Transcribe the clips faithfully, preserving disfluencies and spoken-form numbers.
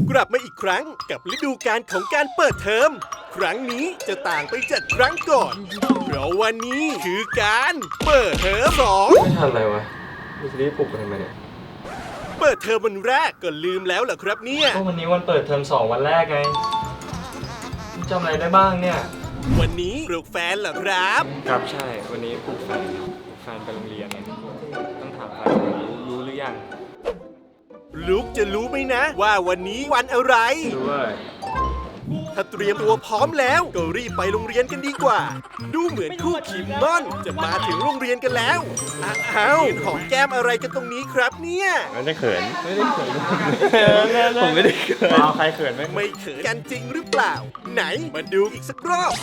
กลับมาอีกครั้งกับฤดูกาลของการเปิดเทอมครั้งนี้จะต่างไปจากครั้งก่อนเพราะวันนี้คือการเปิดเทอมสองไม่ทันอะไรวะมีซีรีส์ปลุกกันทำไมเนี่ยเปิดเทอมวันแรกก็ลืมแล้วเหรอครับเนี่ยก็วันนี้วันเปิดเทอมสองวันแรกไงจำอะไรได้บ้างเนี่ยวันนี้ปลุกแฟนเหรอครับครับใช่วันนี้ปลุกแฟนปลุกแฟนไปโรงเรียนเนี่ยต้องถามแฟนรู้รู้หรือยังลูกจะรู้ไหมนะว่าวันนี้วันอะไรรู้ว่าถ้าเตรียมตัวพร้อมแล้วก็รีบไปโรงเรียนกันดีกว่า ดูเหมือนคู่คิมมอนจะมาถึงโรงเรียนกันแล้วอ้าวหอมแก้มอะไรกันตรงนี้ครับเนี่ยไม่ได้เขินไม่ได้เขินผมไม่ได้เขินเอาใครเขินไหมไม่เขินกันจริงหรือเปล่า ไหนมาดูอีกสักรอบ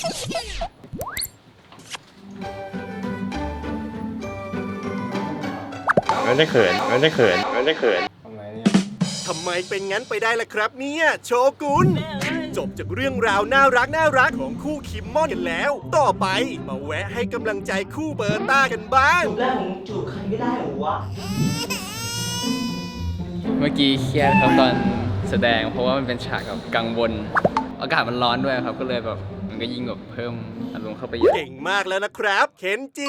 ไม่ได้เขินไม่ได้เขินไม่ได้เขินทำไมเนี่ยทำไมเป็นงั้นไปได้ล่ะครับเนี่ยโชกุนจบจากเรื่องราวน่ารักน่ารักของคู่คิมมอนกันแล้ว ต่อไปมาแวะให้กำลังใจคู่เบอร์ต้ากันบ้างจูบแรกของจูบใครไม่ได้เหรอวะเมื่อกี้เครียดครับตอนแสดงเพราะว่ามันเป็นฉากแบบกังวลอากาศมันร้อนด้วยครับก็เลยแบบมันก็ยิ่งแบบเพิ่มอารมณ์เข้าไปเยอะเก่งมากแล้วนะครับ เคนจิ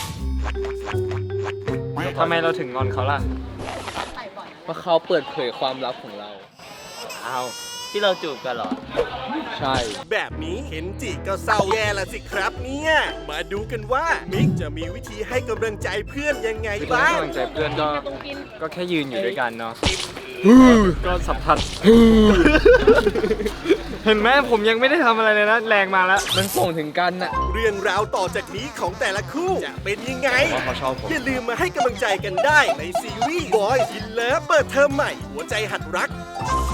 ทำไมเราถึงงอนเขาล่ะเพราะเขาเปิดเผยความลับของเราเอาที่เราจูบกันเหรอใช่แบบนี้เคนจิก็เศร้าแย่ละสิครับเนี่ยมาดูกันว่ามิกจะมีวิธีให้กำลังใจเพื่อนยังไงวิธีบ้าให้งกำลังใจเพื่อนก็ก็แค่ยืนอยู่ด้วยกันเนาะก็สัมผัสเห็นไหมผมยังไม่ได้ทำอะไรเลยนะแรงมาแล้วมันส่งถึงกันน่ะเรื่องราวต่อจากนี้ของแต่ละคู่จะเป็นยังไงว่าเขาชอบผมอย่าลืมมาให้กำลังใจกันได้ในซีรีส์ Boys in Love เปิดเทอมใหม่หัวใจหัดรัก